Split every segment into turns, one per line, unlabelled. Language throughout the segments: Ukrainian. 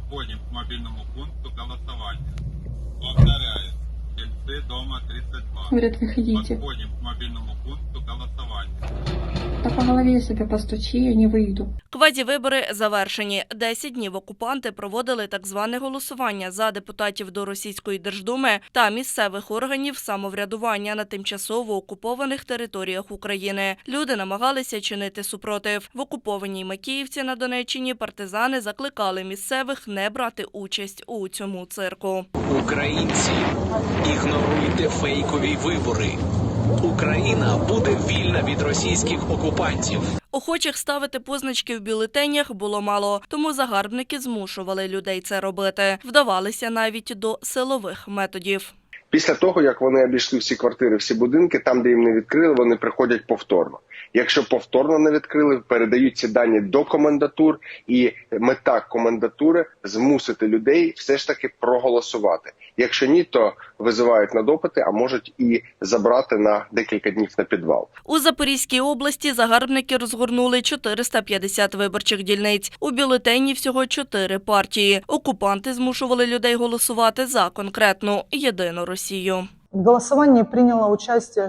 Подходим к мобильному пункту голосования. Повторяю. Сельцы, дома 32.
Говорят, выходите.
Подходим к мобильному пункту голосования.
Да по голове себе постучи, я не выйду.
Квазівибори завершені. 10 днів окупанти проводили так зване голосування за депутатів до Російської Держдуми та місцевих органів самоврядування на тимчасово окупованих територіях України. Люди намагалися чинити супротив. В окупованій Макіївці на Донеччині партизани закликали місцевих не брати участь у цьому цирку.
Українці, ігноруйте фейкові вибори. Україна буде вільна від російських окупантів.
Охочих ставити позначки в бюлетенях було мало, тому загарбники змушували людей це робити. Вдавалися навіть до силових методів.
Після того, як вони обійшли всі квартири, всі будинки, там, де їм не відкрили, вони приходять повторно. Якщо повторно не відкрили, передають ці дані до комендатур, і мета комендатури – змусити людей все ж таки проголосувати. Якщо ні, то визивають на допити, а можуть і забрати на декілька днів на підвал.
У Запорізькій області загарбники розгорнули 450 виборчих дільниць. У бюлетені всього 4 партії. Окупанти змушували людей голосувати за конкретну єдину Росію.
В голосовании приняло участие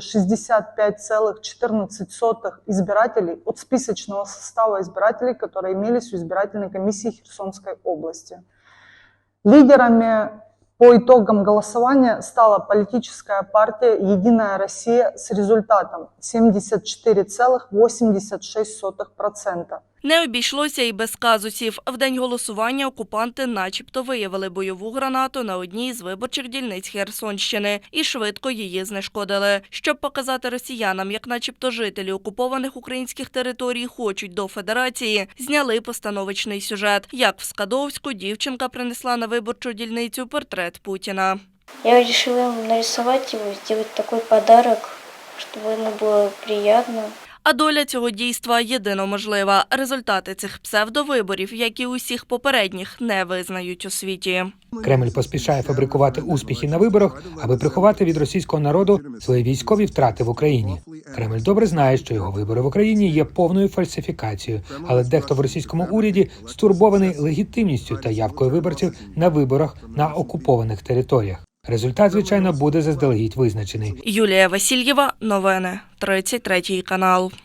65,14 избирателей от списочного состава избирателей, которые имелись у избирательной комиссии Херсонской области. Лидерами по итогам голосования стала политическая партия «Единая Россия» с результатом 74,86%.
Не обійшлося і без казусів. В день голосування окупанти начебто виявили бойову гранату на одній з виборчих дільниць Херсонщини і швидко її знешкодили. Щоб показати росіянам, як начебто жителі окупованих українських територій хочуть до Федерації, зняли постановочний сюжет. Як в Скадовську дівчинка принесла на виборчу дільницю портрет Путіна.
Я вирішила йому нарисувати його, зробити такий подарунок, щоб йому було приємно.
А доля цього дійства єдино можлива. Результати цих псевдовиборів, як і усіх попередніх, не визнають у світі.
Кремль поспішає фабрикувати успіхи на виборах, аби приховати від російського народу свої військові втрати в Україні. Кремль добре знає, що його вибори в Україні є повною фальсифікацією, але дехто в російському уряді стурбований легітимністю та явкою виборців на виборах на окупованих територіях. Результат, звичайно, буде заздалегідь визначений.
Юлія Васильєва, новини, 33 канал.